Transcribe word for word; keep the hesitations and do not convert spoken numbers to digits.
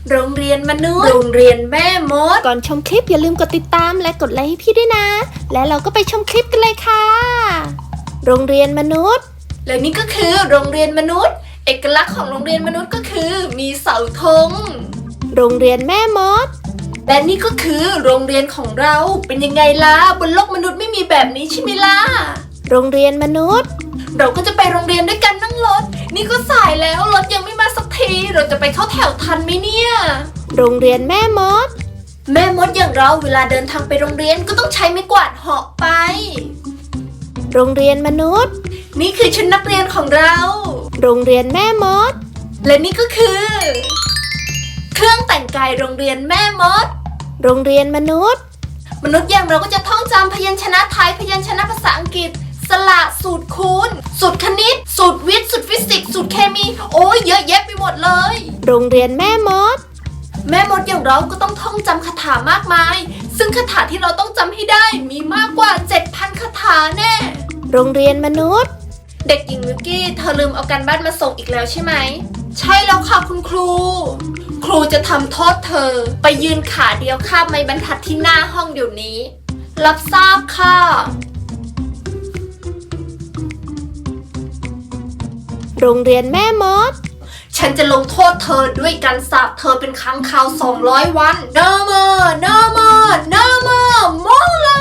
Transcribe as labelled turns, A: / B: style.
A: โรงเรียนมนุษย์โรงเรียนแม่มด
B: ก่อนชมคลิปอย่าลืมกดติดตามและกดไลค์ให้พี่ด้วยนะ และเราก็ไปชมคลิปกันเลยค่ะ โรงเรียนมนุษย์
A: และนี่ก็คือโรงเรียนมนุษย์เอกลักษณ์ของโรงเรียนมนุษย์ก็คือมีเสาธง
B: โรงเรียนแม่มด
A: และนี่ก็คือโรงเรียนของเราเป็นยังไงล่ะบนโลกมนุษย์ไม่มีแบบนี้ใช่ไหมล่ะ
B: โรงเรียนมนุษย์
A: เราก็จะไปโรงเรียนด้วยกันนั่งรถนี่ก็สายแล้วรถยังไม่มาสักทีเราจะไปเข้าแถวทันไหมเนี่ย
B: โรงเรียนแม่มด
A: แม่มดอย่างเราเวลาเดินทางไปโรงเรียนก็ต้องใช้ไม้กวาดเหาะไป
B: โรงเรียนมนุษย์
A: นี่คือชุดนักเรียนของเรา
B: โรงเรียนแม่มด
A: และนี่ก็คือ เครื่องแต่งกายโรงเรียนแม่มด
B: โรงเรียนมนุษย์
A: มนุษย์อย่างเราก็จะท่องจำพยัญชนะไทยพยัญชนะภาษาอังกฤษสระสูตรคูณสูตรคณิตสูตรวิทย์สูตรฟิสิกส์สูตรเคมีโอ้ยเยอะแยะไปหมดเลย
B: โรงเรียนแม่มด
A: แม่มดอย่างเราก็ต้องท่องจำคาถามากมายซึ่งคาถาที่เราต้องจำให้ได้มีมากกว่า เจ็ดพัน คาถาแน่
B: โรงเรียนมนุษย์
A: เด็กหญิงมิวกี้เธอลืมเอาการบ้านมาส่งอีกแล้วใช่ไหมใช่แล้วค่ะคุณครูครูจะทำโทษเธอไปยืนขาเดียวข้ามไม้บรรทัดที่หน้าห้องเดี๋ยวนี้รับทราบค่ะ
B: โรงเรียนแม่มด
A: ฉันจะลงโทษเธอด้วยการสาปเธอเป็นค้างคาวสองร้อยวัน No more No more No more มองเล